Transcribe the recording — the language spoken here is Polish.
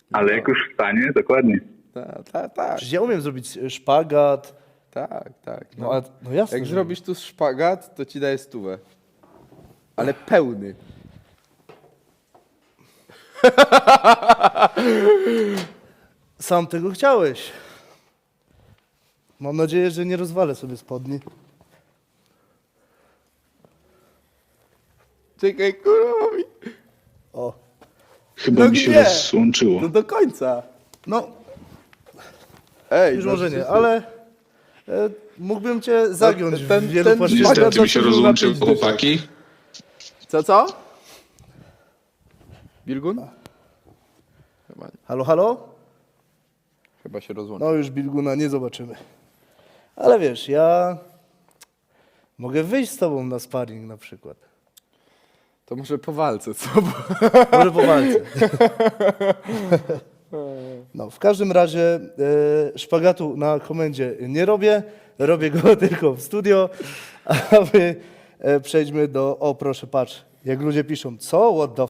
Ale jak już wstanie, dokładnie. Tak, Przecież ja umiem zrobić szpagat. tak. No, no jasne. Jak że- zrobisz tu szpagat, to ci daję 100. Ale pełny. Sam tego chciałeś. Mam nadzieję, że nie rozwalę sobie spodni. Czekaj, kurwa mi. O. Chyba No mi się nie. rozłączyło. No do końca. No, Ej, już no może nie, przecież- ale mógłbym cię zagiąć ten- w wielu ten płaszczyznach. szpagat Niestety mi się zaczął rozłączyły napić dyszek. chłopaki. Co? Bilgun? Halo, halo? Chyba się rozłączył. No już Bilguna nie zobaczymy. Ale wiesz, ja mogę wyjść z tobą na sparring na przykład. To może po walce, co? Może po walce. No, w każdym razie szpagatu na komendzie nie robię. Robię go tylko w studio. A my przejdźmy do... O, proszę, patrz. Jak ludzie piszą, co? What the